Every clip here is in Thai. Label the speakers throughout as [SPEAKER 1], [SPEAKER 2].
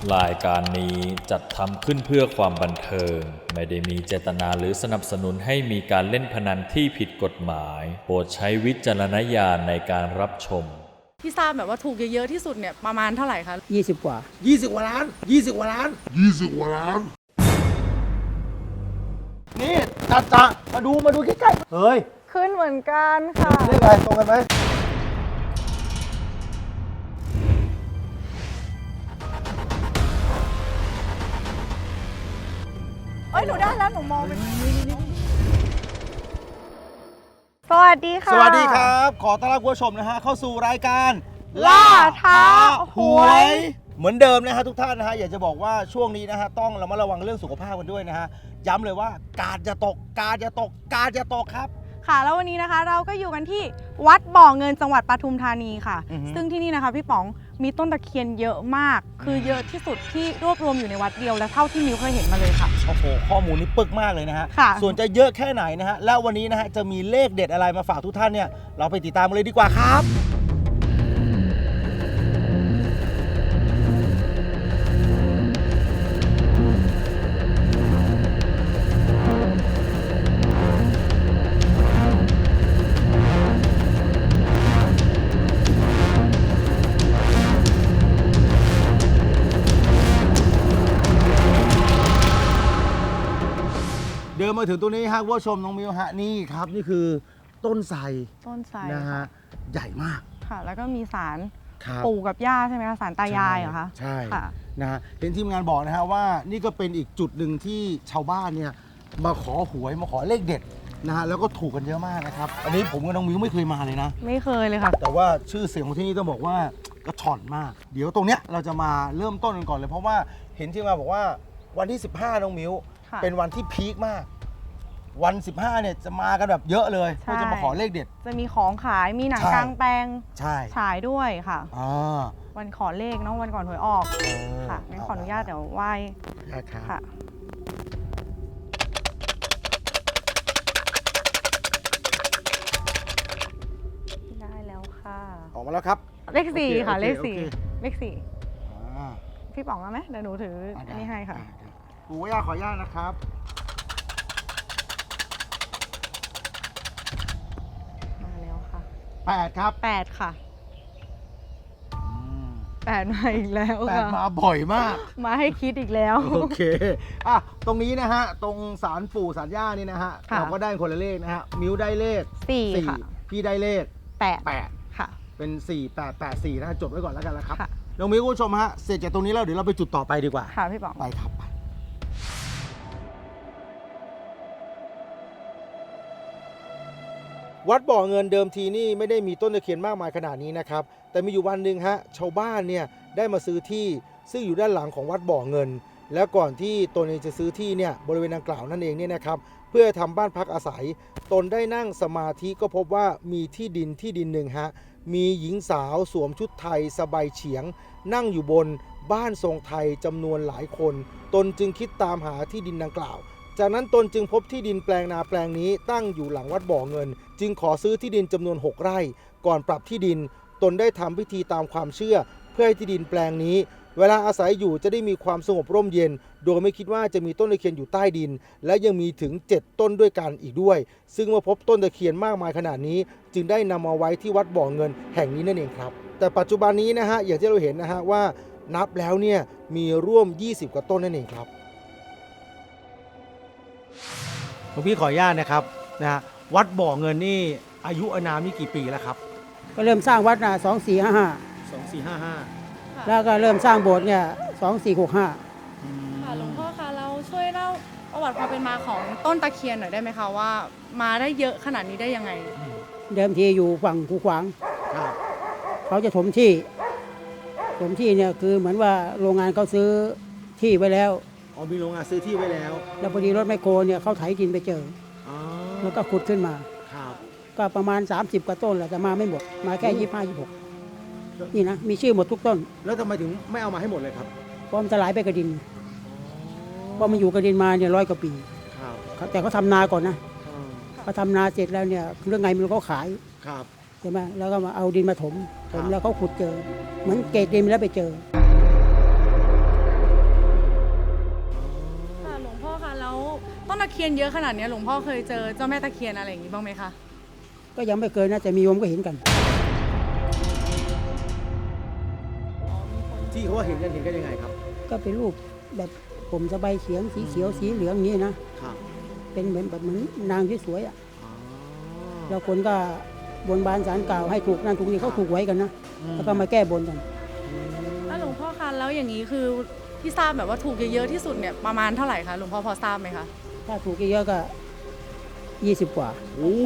[SPEAKER 1] รายการนี้จัดทำขึ้นเพื่อความบันเทิงไม่ได้มีเจตนาหรือสนับสนุนให้มีการเล่นพนันที่ผิดกฎหมายโปรดใช้วิจารณญาณในการรับชม
[SPEAKER 2] ที่ทราบแบบว่าถูกเยอะๆที่สุดเนี่ยประมาณเท่าไหร่คะ
[SPEAKER 3] 20 กว่า
[SPEAKER 4] 20 กว่าล้าน20 กว่าล้าน20 กว่าล้านนี่จ่ามาดูใกล้ๆเฮ้ย
[SPEAKER 2] ขึ้นเหมือนกันค่ะ
[SPEAKER 4] เลขอะไรตรงกันไหม
[SPEAKER 2] หนูได้แล้วหนูมองเป็นสวัสดีค่ะ
[SPEAKER 4] สวัสดีครับขอต้อนรับคุณผู้ชมนะฮะเข้าสู่รายการ
[SPEAKER 2] ล่าท้าหวย
[SPEAKER 4] เหมือนเดิมนะฮะทุกท่านนะฮะอยากจะบอกว่าช่วงนี้นะฮะต้องระมัดระวังเรื่องสุขภาพกันด้วยนะฮะย้ำเลยว่ากาดจะตกครับ
[SPEAKER 2] ค่ะแล้ววันนี้นะคะเราก็อยู่กันที่วัดบ่อเงินจังหวัดปทุมธานีค่ะซึ่งที่นี่นะคะพี่ป๋องมีต้นตะเคียนเยอะมากคือเยอะที่สุดที่รวบรวมอยู่ในวัดเดียวและเท่าที่มิวเคยเห็นมาเลยค่ะ
[SPEAKER 4] โอ้โหข้อมูลนี้ปึกมากเลยนะฮะส่วนจะเยอะแค่ไหนนะฮะแล้ววันนี้นะฮะจะมีเลขเด็ดอะไรมาฝากทุกท่านเนี่ยเราไปติดตามกันเลยดีกว่าครับเดินมาถึงตรงนี้ฮะคุณผู้ชมน้องมิวฮะนี่ครับนี่คือต้นไทรนะฮะใหญ่มาก
[SPEAKER 2] ค่ะแล้วก็มีศาลปู่กับย่าใช่ไหมคะศาลตายายเหรอคะ
[SPEAKER 4] ใช่นะฮะเห็นทีมงานบอกนะฮะว่านี่ก็เป็นอีกจุดหนึ่งที่ชาวบ้านเนี่ยมาขอหวยมาขอเลขเด็ดนะฮะแล้วก็ถูกกันเยอะมากนะครับอันนี้ผมกับน้องมิวไม่เคยมาเลยนะ
[SPEAKER 2] ไม่เคยเลยค่ะ
[SPEAKER 4] แต่ว่าชื่อเสียงของที่นี่ต้องบอกว่ากระชอนมากเดี๋ยวตรงเนี้ยเราจะมาเริ่มต้นกันก่อนเลยเพราะว่าเห็นที่มาบอกว่าวันที่15น้องมิวเป็นวันที่พีคมากวัน15เนี่ยจะมากันแบบเยอะเลยเพื่อจะมาขอเลขเด็ด
[SPEAKER 2] จะมีของขายมีหนังกลางแปลงฉายด้วยค่ะวันขอเลขเนาะวันก่อนหวยออกค่ะงั้นขออนุญาตเดี๋ยวไหว้ค่ะได้แล้วค่ะ
[SPEAKER 4] ออกมาแล้วครับ
[SPEAKER 2] เลข4ค่ะเลข4พี่ป๋องเอาไหมเดี๋ยวหนูถืออันนี้ให้ค่ะ
[SPEAKER 4] ปู่ย่าขออนุญาตนะครับ8ครับ
[SPEAKER 2] 8ค่ะ8มาอีกแล้วค่ะ
[SPEAKER 4] 8มาบ่อยมาก
[SPEAKER 2] มาให้คิดอีกแล้ว
[SPEAKER 4] โอเคตรงนี้นะฮะตรงศาลปู่ศาลย่านี่นะฮะเราก็ได้คนละเลขนะฮะมิวได้เลข
[SPEAKER 2] 4ค่ะ
[SPEAKER 4] พี่ได้เลข
[SPEAKER 2] 8ค่ะ
[SPEAKER 4] เป็น4884นะจดไว้ก่อนแล้วกันนะครับน้องมิวคุณผู้ชมฮะเสร็จจากตรงนี้แล้วเดี๋ยวเราไปจุดต่อไปดีกว่า
[SPEAKER 2] ค่ะพี่ป๋อง
[SPEAKER 4] ไปครับวัดบ่อเงินเดิมทีนี่ไม่ได้มีต้นตะเคียนมากมายขนาดนี้นะครับแต่มีอยู่วันหนึ่งฮะชาวบ้านเนี่ยได้มาซื้อที่ซึ่งอยู่ด้านหลังของวัดบ่อเงินแล้วก่อนที่ตนเองจะซื้อที่เนี่ยบริเวณดังกล่าวนั่นเองเนี่ยนะครับเพื่อทำบ้านพักอาศัยตนได้นั่งสมาธิก็พบว่ามีที่ดินหนึ่งฮะมีหญิงสาวสวมชุดไทยสบายเฉียงนั่งอยู่บนบ้านทรงไทยจำนวนหลายคนตนจึงคิดตามหาที่ดินดังกล่าวจากนั้นตนจึงพบที่ดินแปลงนาแปลงนี้ตั้งอยู่หลังวัดบ่อเงินจึงขอซื้อที่ดินจำนวน6 ไร่ก่อนปรับที่ดินตนได้ทำพิธีตามความเชื่อเพื่อให้ที่ดินแปลงนี้เวลาอาศัยอยู่จะได้มีความสงบร่มเย็นโดยไม่คิดว่าจะมีต้นตะเคียนอยู่ใต้ดินและยังมีถึง7 ต้นด้วยกันอีกด้วยซึ่งเมื่อพบต้นตะเคียนมากมายขนาดนี้จึงได้นำมาไว้ที่วัดบ่อเงินแห่งนี้นั่นเองครับแต่ปัจจุบันนี้นะฮะอย่างที่เราเห็นนะฮะว่านับแล้วเนี่ยมีร่วม20 กว่าต้นนั่นเองครับหลวงพี่ขออนุญาตนะครับนะวัดบ่อเงินนี่อายุอานามนี่กี่ปีแล้วครับ
[SPEAKER 3] ก็เริ่มสร้างวัดนะ
[SPEAKER 4] 2455
[SPEAKER 3] แล้วก็เริ่มสร้างโบสถ์เนี่ย2465
[SPEAKER 2] ค่ะหลวงพ่อคะเราช่วยเล่าประวัติความเป็นมาของต้นตะเคียนหน่อยได้ไหมคะว่ามาได้เยอะขนาดนี้ได้ยังไง
[SPEAKER 3] เดิมทีอยู่ฝั่งคูขวางเขาจะถมที่เนี่ยคือเหมือนว่าโรงงานเขาซื้อที่ไว้แล้ว
[SPEAKER 4] มีโรงงานซื้อที่ไว้แล้ว
[SPEAKER 3] พอดีรถแมคโครเนี่ยเขาไถดินไปเจอแล้วก็ขุดขึ้นมาก็ประมาณ30 กว่าต้นแหละแต่มาไม่หมดมาแค่25-26นี่นะมีชื่อหมดทุกต้น
[SPEAKER 4] แล้วทำไมถึงไม่เอามาให้หมดเลยครับ
[SPEAKER 3] เพราะมันจะไหลไปกับดินเพราะมันอยู่กับดินมาเนี่ย100 กว่าปีแต่เขาทำนาก่อนนะเขาทำนาเสร็จแล้วเนี่ยเรื่องไงมันก็ขายใช่ไหมแล้วก็มาเอาดินมาถมแล้วเขาขุดเจอเหมือนเกตดินแล้วไปเจอ
[SPEAKER 2] คียนเยอะขนาดนี้หลวงพ่อเคยเจอเจ้าแม่ตะเคียนอะไรอย่างนี้บ้างไหมคะ
[SPEAKER 3] ก็ยังไม่เคยนะแต่มีโยมก็เห็นกัน
[SPEAKER 4] ที่เขาเห็นกันยังไงครับ
[SPEAKER 3] ก็เป็นรูปแบบผมสบายเฉียงสีเขียวสีเหลืองอย่างนี้นะครับ เป็นเหมือนนางสวยๆอ่ะแล้วคนก็บนบานศาลกล่าวให้ถูกนั่นถูกนี่เขาถูกไว้กันนะแล้วก็มาแก้บนกัน
[SPEAKER 2] แล้วหลวงพ่อคะแล้วอย่างนี้คือที่ทราบแบบว่าถูกเยอะๆที่สุดเนี่ยประมาณเท่าไหร่คะหลวงพ่อพอทราบไหมคะ
[SPEAKER 3] ถ้าถูกเยอะๆก็20 กว่า
[SPEAKER 4] โอ้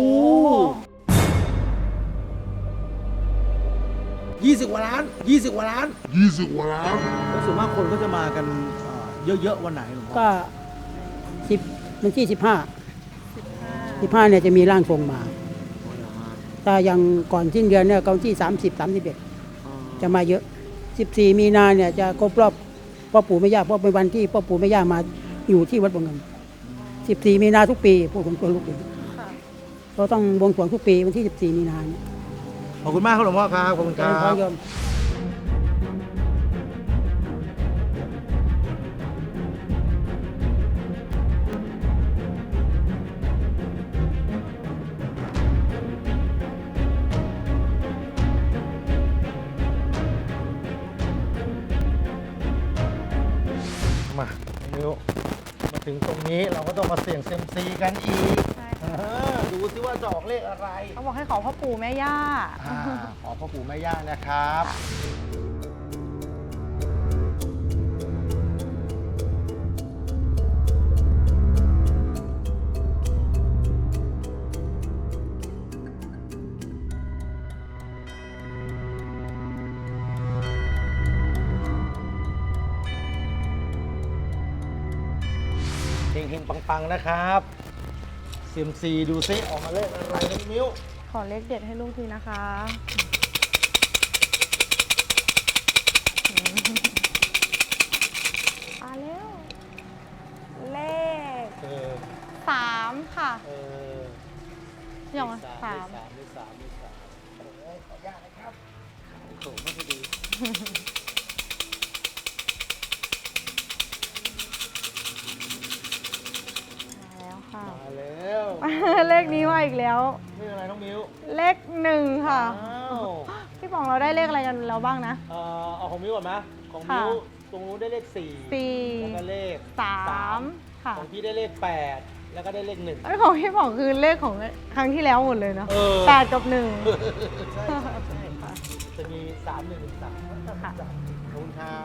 [SPEAKER 4] 20 กว่าล้าน 20 กว่าล้าน 20 กว่าล้านแล้วส่วนมากคนก็จะมากันเยอะๆวันไหนหลวงพ่อ
[SPEAKER 3] ก็10วันที่15เนี่ยจะมีร่างทรงมาแต่อย่างก่อนสิ้นเดือนเนี่ยก็วันที่30 31จะมาเยอะ14มีนาเนี่ยจะครบรอบพ่อปู่แม่ย่าเพราะเป็นวันที่พ่อปู่แม่ย่ามาอยู่ที่วัดบ่อเงิน14มีนาทุกปีพวกผมตัวลูกเองเราต้องบวงสรวงทุกปีวันที่14มีนาเนี่ย
[SPEAKER 4] ขอบคุณมากครับหลวงพ่อครับ ขอบคุณค
[SPEAKER 3] เจ
[SPEAKER 4] รั
[SPEAKER 3] ริญพร
[SPEAKER 4] บ
[SPEAKER 3] โยม
[SPEAKER 4] มานิ้วมาถึงตรงนี้เราก็ต้องมาเสี่ยงเซยมซีกันอีก
[SPEAKER 2] ใช่
[SPEAKER 4] ดูซิว่าจะออกเลขอะไร
[SPEAKER 2] เขาบอกให้ขอพ่อปู่แม่ย่า
[SPEAKER 4] ขอพ่อปู่แม่ย่านะครับ เฮงๆปังๆนะครับเซียมซีดูซิออกมาเลขอะไรน้องมิ้ว
[SPEAKER 2] ขอเลขเด็ดให้ลูกทีนะคะมาแล้ว เลข 3 ค่ะอย่าง3
[SPEAKER 4] มีสามขออนุญาตนะครับโถไม่ค่อยดี
[SPEAKER 2] แล้วค่ะ
[SPEAKER 4] มาแล้ว
[SPEAKER 2] เลขนี้มาอีกแล้ว
[SPEAKER 4] นี่อะไรน้องมิ้ว
[SPEAKER 2] เลข 1 ค่ะ
[SPEAKER 4] อ้าว
[SPEAKER 2] พี่ป๋องเราได้เลขอะไรกันแล้วบ้างนะ
[SPEAKER 4] เอาของมิ้วก่อนไหมของ
[SPEAKER 2] ค่ะ
[SPEAKER 4] มิ้วตรงนู้นได้เลข4แล้วก็เลข
[SPEAKER 2] 3 ค่ะ
[SPEAKER 4] ของพี่ได้เลข8แล้วก็ได้เลข1
[SPEAKER 2] ไอ้ของพี่ป๋องคือเลขของครั้งที่แล้วหมดเลยเนาะ
[SPEAKER 4] เออ
[SPEAKER 2] 8 กับ 1
[SPEAKER 4] ใช่จะมี3 1 1 3
[SPEAKER 2] ค่ะ
[SPEAKER 4] ขอบคุณครับ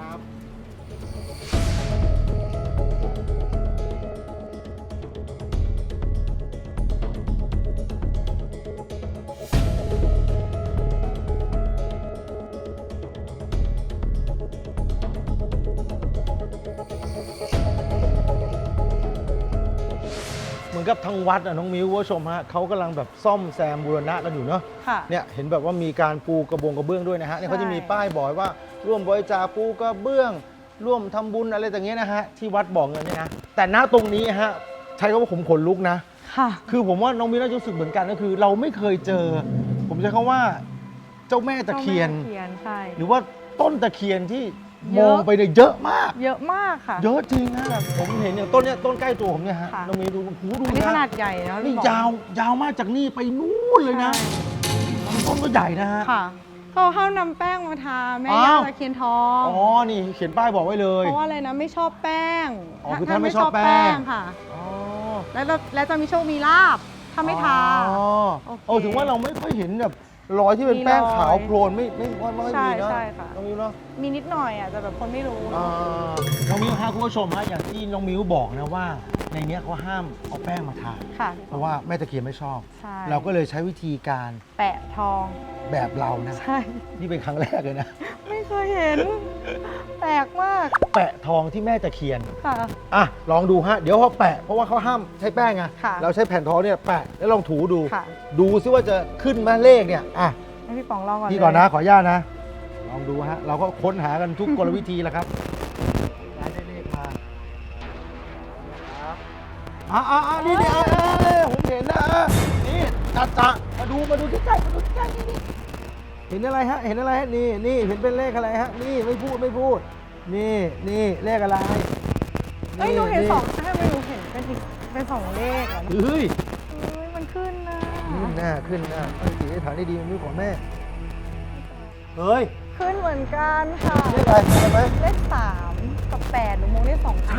[SPEAKER 4] เหมือนกับทางวัดน้องมิ้วคุณผู้ชมฮะเขากำลังแบบซ่อมแซมบูรณะกันอยู่เนาะ
[SPEAKER 2] ค่ะ
[SPEAKER 4] เนี่ยเห็นแบบว่ามีการปูกระเบื้องด้วยนะฮะเนี่ยเขาจะมีป้ายบอกว่าร่วมบริจาคปูกระเบื้อง ร่วมทำบุญอะไรต่างเงี้ยนะฮะที่วัดบ่อเงินเนี่ยนะแต่ณตรงนี้ฮะใช้คำว่าผมขนลุกนะ
[SPEAKER 2] ค่ะ
[SPEAKER 4] คือผมว่าน้องมิ้วน่าจะรู้สึกเหมือนกันก็คือ เราไม่เคยเจอ ผมใช้คำว่าเจ้าแม่ตะเคียน
[SPEAKER 2] เจ้าแม่ตะเคียนใช่
[SPEAKER 4] หรือว่าต้นตะเคียนที่
[SPEAKER 2] เย
[SPEAKER 4] ม
[SPEAKER 2] อะ
[SPEAKER 4] องไปเนี่ยเยอะมาก
[SPEAKER 2] เยอะมากค่ะ
[SPEAKER 4] เยอะจริงนะผมเห็นอย่างต้นเนี้ยต้นใกล้ตัวผมเนี่ยฮะ
[SPEAKER 2] ค่ะ
[SPEAKER 4] น้องมิ้วดูหูดู
[SPEAKER 2] อันนี้ขนา
[SPEAKER 4] นะ
[SPEAKER 2] ดใหญ่นะ
[SPEAKER 4] นี่
[SPEAKER 2] พี่ป๋อง
[SPEAKER 4] ยาวมากจากนี่ไปนู่นเลยนะต้นก็ใหญ่นะฮะ
[SPEAKER 2] ค่ะเขาเข้านำแป้งมาทาแม่
[SPEAKER 4] อ้า
[SPEAKER 2] ย่าว ตะเคียนทอง
[SPEAKER 4] อ๋อ นี่เขียนป้ายบอกไว้เลย
[SPEAKER 2] เพราะว่าอะไรนะไม่ชอบแป้ง
[SPEAKER 4] อ๋อคือท่านไม่ชอบแป้ง
[SPEAKER 2] ค่ะ
[SPEAKER 4] อ๋อ
[SPEAKER 2] แล้วจะมีโชคมีลาบถ้าไม่ทา
[SPEAKER 4] อ๋อ
[SPEAKER 2] โอเค
[SPEAKER 4] โอ้ถึงว่าเราไม่ค่อยเห็นแบบรอยที่เป็น
[SPEAKER 2] มี
[SPEAKER 4] แป้งขาว
[SPEAKER 2] รอย
[SPEAKER 4] โพลนไม่มี
[SPEAKER 2] ใช่
[SPEAKER 4] เนาะ
[SPEAKER 2] ใช่ค่ะ
[SPEAKER 4] น้องมิ้วเนาะ
[SPEAKER 2] มีนิดหน่อยอ่ะแต่แบบคนไม่รู้
[SPEAKER 4] อ่าน้องมิ้วฮะคุณผู้ชมฮะอย่างที่น้องมิ้วบอกนะว่า ในเนี้ยเขาห้ามเอาแป้งมาทา
[SPEAKER 2] ค่ะ
[SPEAKER 4] เพราะว่าแม่ตะเคียนไม่ชอบ
[SPEAKER 2] ใช่
[SPEAKER 4] เราก็เลยใช้วิธีการ
[SPEAKER 2] แปะทอง
[SPEAKER 4] แบบเรานะ
[SPEAKER 2] ใช่
[SPEAKER 4] นี่เป็นครั้งแรกเลยนะ
[SPEAKER 2] ไม่เคยเห็น แปลกมาก
[SPEAKER 4] แปะทองที่แม่ตะเคียน
[SPEAKER 2] ค่ะ
[SPEAKER 4] อ่ะลองดูฮะเดี๋ยวเขาแปะเพราะว่าเขาห้ามใช้แป้งไง
[SPEAKER 2] ค่ะ
[SPEAKER 4] เราใช้แผ่นทองเนี่ยแปะแล้วลองถูดู
[SPEAKER 2] ค่ะ
[SPEAKER 4] ดูซิว่าจะขึ้นไหมเลขเนี่ยอ่ะ
[SPEAKER 2] ให้พี่ป๋องลองก่อน
[SPEAKER 4] พี่ก่อน
[SPEAKER 2] เลย
[SPEAKER 4] นะขออนุญาตนะ ลองดูฮะเราก็ค้นหากันทุกกลวิธีแหละครับได้เลขมาครับนี่ผมเห็นนะนี่จัดมาดูใกล้ๆนี่เห็นอะไรฮะเห็นอะไรฮะนี่เห็นเป็นเลขอะไรฮะนี่ไม่พูดนี่เลขอะไร
[SPEAKER 2] เอ้ยหนูเห็น2ให้ไม่หนูเห็นเป็นอีกเป็น2เลขอ่ะ
[SPEAKER 4] เฮ้ย
[SPEAKER 2] มันขึ้นนะ
[SPEAKER 4] ขึ้นหน้าตั้งจิตอธิษฐานได้ดีมันมีของแม่เฮ้ย
[SPEAKER 2] ขึ้นเหมือนกันค่ะ
[SPEAKER 4] เลขอะไรเห็นไหม
[SPEAKER 2] เลข3กับ8หนูมองเลข2อัน
[SPEAKER 4] ใช่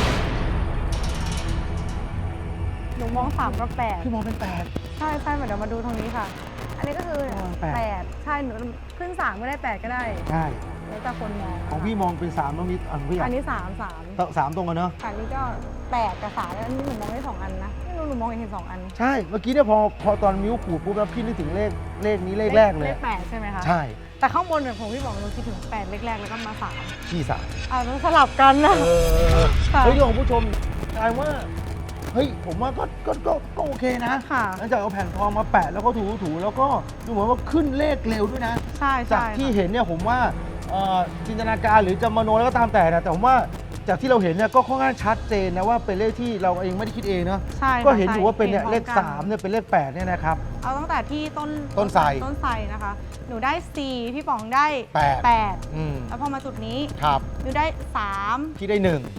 [SPEAKER 2] หนูมอง3กับ8
[SPEAKER 4] พี่มองเป็น
[SPEAKER 2] ใช่เดี๋ยวมาดูตรงนี้ค่ะ อันนี้ก็คือ 8ใช่หนูขึ้น3ก็ได้8ก็ได้
[SPEAKER 4] 8ใช่
[SPEAKER 2] แล้วแต่คนมอง
[SPEAKER 4] ของพี่มองเป็น3แล้วมีของพี่
[SPEAKER 2] อันนี้3
[SPEAKER 4] 3ตรงกันเนาะ
[SPEAKER 2] อันนี้ก็8กับ3แล้วอันนี้หนูมองได้2อันนะไม่รู้หนูมองเห็น2อัน
[SPEAKER 4] ใช่เมื่อกี้เนี่ยพอตอนมิ้วขูดปุ๊บแล้วพี่นึกถึงเลขนี้เลขแรกเลย
[SPEAKER 2] เลข8ใช่ไหมคะ
[SPEAKER 4] ใช่
[SPEAKER 2] แต่ข้างบนเนี่ยของพี่บอกหนูคิดถึง8เลขแรกแล้วก็มา3
[SPEAKER 4] พี่3
[SPEAKER 2] ต้องสลับกันนะค่ะ
[SPEAKER 4] เฮ้ยของผู้ชมกลายว่าเฮ้ยผมว่าก็โอเคนะ
[SPEAKER 2] ค่ะ
[SPEAKER 4] หลังจากเอาแผ่นทองมาแปะแล้วก็ถูแล้วก็ดูเหมือนว่าขึ้นเลขเร็วด้วยนะ
[SPEAKER 2] ใช่
[SPEAKER 4] จากที่เห็นเนี่ยผมว่าจินตนาการหรือจะมโนแล้วก็ตามแต่นะแต่ผมว่าจากที่เราเห็นเนี่ยก็ค่อนข้างชัดเจนนะว่าเป็นเลขที่เราเองไม่ได้คิดเองเนาะ
[SPEAKER 2] ใช่
[SPEAKER 4] ก็เห็นอยู่ว่าเป็นเนี่ย
[SPEAKER 2] ใช่
[SPEAKER 4] เลข3เนี่ยเป็นเลข8เนี่ยนะครับ
[SPEAKER 2] เอาตั้งแต่ที่ต้นไทรนะคะ หนูได้4พี่ป๋องได้ 8
[SPEAKER 4] อืม
[SPEAKER 2] แล้วพอมาจุดนี้
[SPEAKER 4] ครับ
[SPEAKER 2] หนูได้3
[SPEAKER 4] ที่ได้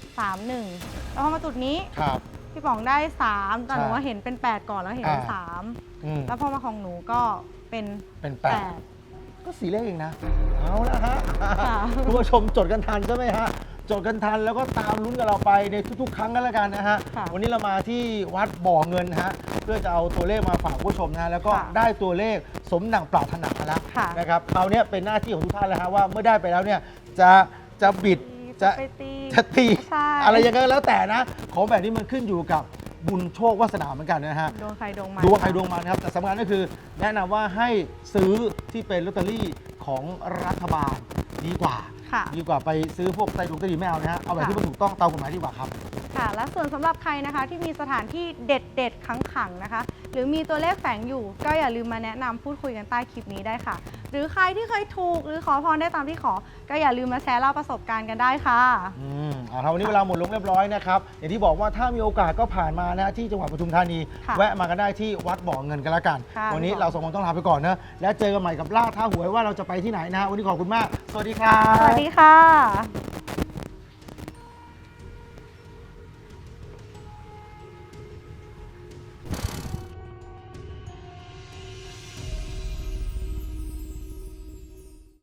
[SPEAKER 2] 1 แล้วพอมาจุดนี้
[SPEAKER 4] 1ครับ
[SPEAKER 2] พี่ป๋องได้3แต่หนู
[SPEAKER 4] ใช่
[SPEAKER 2] ว่าเห็นเป็น8ก่อนแล้วเห็นเป็น
[SPEAKER 4] อืม
[SPEAKER 2] 3แล้วพอมาของหนูก็เป็น
[SPEAKER 4] เป็น
[SPEAKER 2] 8
[SPEAKER 4] 8ก็4เลขเองนะเอาละฮะ
[SPEAKER 2] ค่ะ
[SPEAKER 4] คุณผู้ชมจดกันทันใช่ไหมฮะจดกันทันแล้วก็ตามลุ้นกับเราไปในทุกๆ ครั้งกันแล้วกันนะฮะ
[SPEAKER 2] ค่ะ
[SPEAKER 4] วันนี้เรามาที่วัดบ่อเงินฮะเพื่อจะเอาตัวเลขมาฝากผู้ชมนะฮะแล้วก็
[SPEAKER 2] ค่ะ
[SPEAKER 4] ได้ตัวเลขสมดังปรารถนาแล้ว
[SPEAKER 2] ค่ะ
[SPEAKER 4] นะครับคราวนี้เป็นหน้าที่ของทุกท่านแล้วฮะว่าเมื่อได้ไปแล้วเนี่ยจะบิดจะ
[SPEAKER 2] ไปตี
[SPEAKER 4] จะตี
[SPEAKER 2] ใช่
[SPEAKER 4] อะไรยังไงก็แล้วแต่นะของแบบนี้มันขึ้นอยู่กับบุญโชควาสนาเหมือนกันนะฮะ
[SPEAKER 2] ดวงใครดวงมัน
[SPEAKER 4] ดวงใครดวงมันนะครับแต่สำคัญก็คือแนะนำว่าให้ซื้อที่เป็นลอตเตอรี่ของรัฐบาลดีกว่า
[SPEAKER 2] ค่ะ
[SPEAKER 4] ดีกว่าไปซื้อพวกไตรดวงไตรดีไม่เอานะฮะเอาแบบที่มันถูกต้องตามกฎหมายดีกว่าครับ
[SPEAKER 2] ค่ะ และส่วนสำหรับใครนะคะที่มีสถานที่เด็ดๆขังๆนะคะ หรือมีตัวเลขแฝงอยู่ ก็อย่าลืมมาแนะนำพูดคุยกันใต้คลิปนี้ได้ค่ะ หรือใครที่เคยถูกหรือขอพรได้ตามที่ขอ ก็อย่าลืมมาแชร์เล่าประสบการณ์กันได้ค่ะ
[SPEAKER 4] เอาละวันนี้เวลาหมดลงเรียบร้อยนะครับอย่างที่บอกว่าถ้ามีโอกาสก็ผ่านมานะที่จังหวัดปทุมธานี
[SPEAKER 2] ค่ะ
[SPEAKER 4] แวะมากันได้ที่วัดบ่อเงินกันละกัน
[SPEAKER 2] ค่ะ
[SPEAKER 4] วันนี้
[SPEAKER 2] พี่บอก
[SPEAKER 4] เราสองคนต้องลาไปก่อนนะและเจอกันใหม่กับล่าท้าหวยว่าเราจะไปที่ไหนนะฮะวันนี้ขอบคุณมากสวัสดีครับ
[SPEAKER 2] สวัสดีค่ะ